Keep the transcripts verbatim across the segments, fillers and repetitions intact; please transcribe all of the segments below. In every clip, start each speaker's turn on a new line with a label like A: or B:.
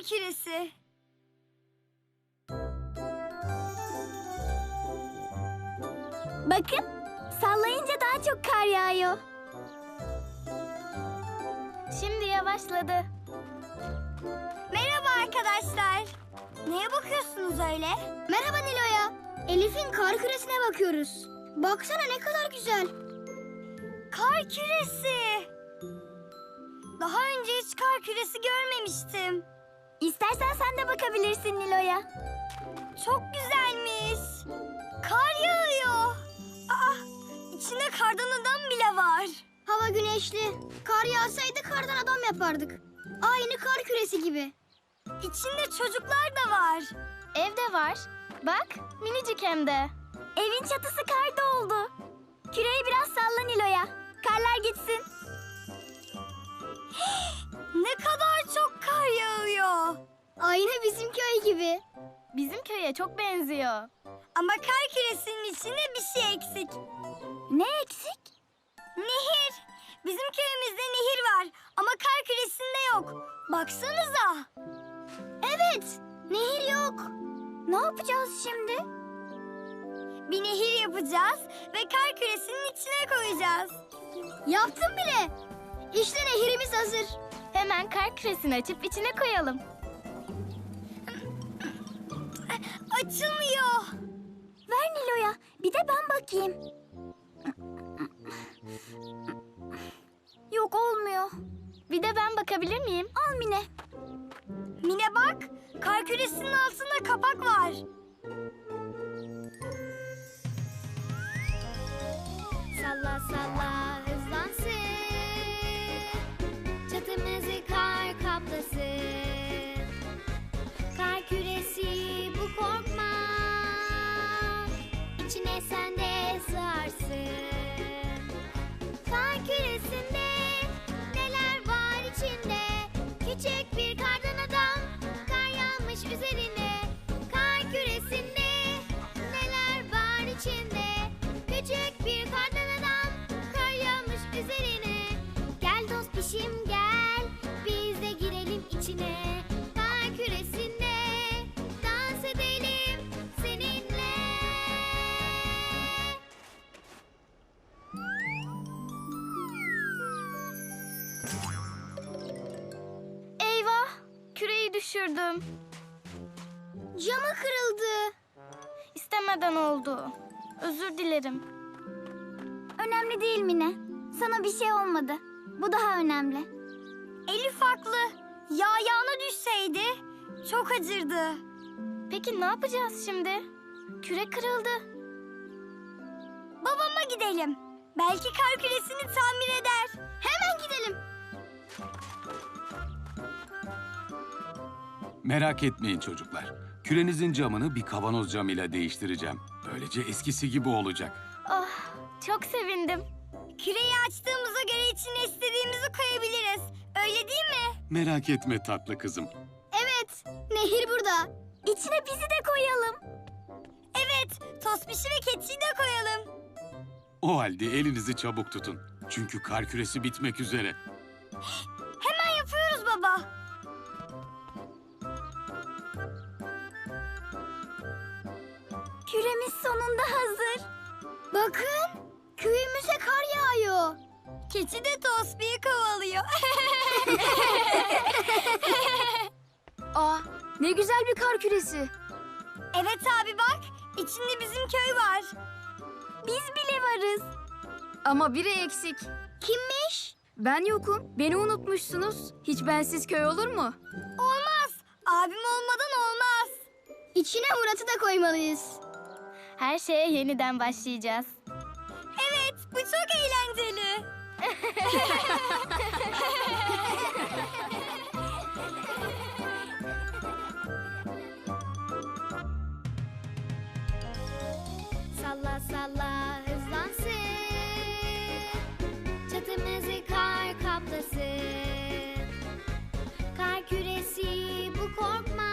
A: küresi.
B: Bakın, sallayınca daha çok kar yağıyor. Şimdi yavaşladı.
A: Merhaba arkadaşlar. Neye bakıyorsunuz öyle?
B: Merhaba Nilo'ya. Elif'in kar küresine bakıyoruz. Baksana ne kadar güzel.
A: Kar küresi. Daha önce hiç kar küresi görmemiştim.
B: İstersen sen de bakabilirsin Nilo'ya.
A: Çok güzelmiş. Kar yağıyor. Aa, içinde kardan adam bile var.
B: Hava güneşli. Kar yağsaydı kardan adam yapardık. Aynı kar küresi gibi.
A: İçinde çocuklar da var.
B: Evde var. Bak, minicik hem de. Evin çatısı kar doldu. Küreyi biraz salla Nilo'ya. Karlar gitsin.
A: Ne kadar çok kar yağıyor.
B: Aynı bizim köy gibi. Bizim köye çok benziyor.
A: Ama kar küresinin içinde bir şey eksik.
B: Ne eksik?
A: Nehir. Bizim köyümüzde nehir var ama kar küresinde yok. Baksanıza.
B: Evet, nehir yok. Ne yapacağız şimdi?
A: Bir nehir yapacağız ve kar küresinin içine koyacağız.
B: Yaptım bile. İşte nehirimiz hazır. Hemen kar küresini açıp içine koyalım.
A: Açılmıyor.
B: Ver Nilo'ya, bir de ben bakayım. Yok, olmuyor. Bir de ben bakabilir miyim? Al Mine.
A: Mine bak, kar küresinin altında kapak var.
B: Salla salla hızlansın, çatımızı kar kaplasın. Kar küresi bu, korkma, içine sen de sığarsın. Kar küresinde neler var içinde? Küçük bir kardan adam, kar yağmış üzerine. Kar küresinde neler var içinde? Küçük bir kardan adam, kar yağmış üzerine. Gel dost pişim gel, biz de girelim içine. Kar küresinde dans edelim seninle. Eyvah, küreyi düşürdüm. Camı kırıldı. İstemeden oldu. Özür dilerim. Önemli değil Mine. Sana bir şey olmadı. Bu daha önemli.
A: Elif haklı. Yağ yağına düşseydi çok acırdı.
B: Peki ne yapacağız şimdi? Küre kırıldı.
A: Babama gidelim. Belki kar küresini tamir eder.
B: Hemen gidelim.
C: Merak etmeyin çocuklar. Kürenizin camını bir kavanoz camıyla değiştireceğim. Böylece eskisi gibi olacak.
B: Oh, çok sevindim.
A: Küreyi açtığımıza göre içine istediğimizi koyabiliriz. Öyle değil mi?
C: Merak etme tatlı kızım.
B: Evet, nehir burada. İçine bizi de koyalım.
A: Evet, Tospiş'i ve Keçi'yi de koyalım.
C: O halde elinizi çabuk tutun. Çünkü kar küresi bitmek üzere.
A: Hemen yapıyoruz baba.
B: Küremiz sonunda hazır. Bakın, köyümüze kar yağıyor.
A: Keçi de Tospiş'i kovalıyor.
B: Aa, ne güzel bir kar küresi.
A: Evet abi bak, içinde bizim köy var.
B: Biz bile varız.
D: Ama biri eksik.
B: Kimmiş?
D: Ben yokum. Beni unutmuşsunuz. Hiç bensiz köy olur mu?
A: Olmaz, abim olmadan olmaz.
B: İçine Murat'ı da koymalıyız. Her şeye yeniden başlayacağız.
A: Evet, bu çok eğlenceli.
B: Salla salla hızlansın, çatımızı kar kaplasın. Kar küresi bu, korkma,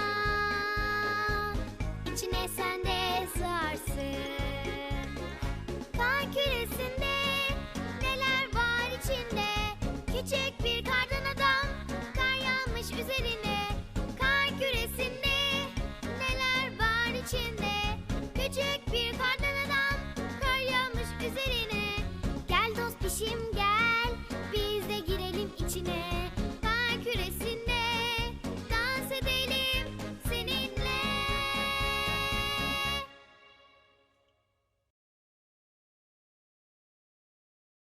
B: içine sen de sığarsın. Kar küresinde neler var içinde? Küçük bir kardan adam, kar küçük bir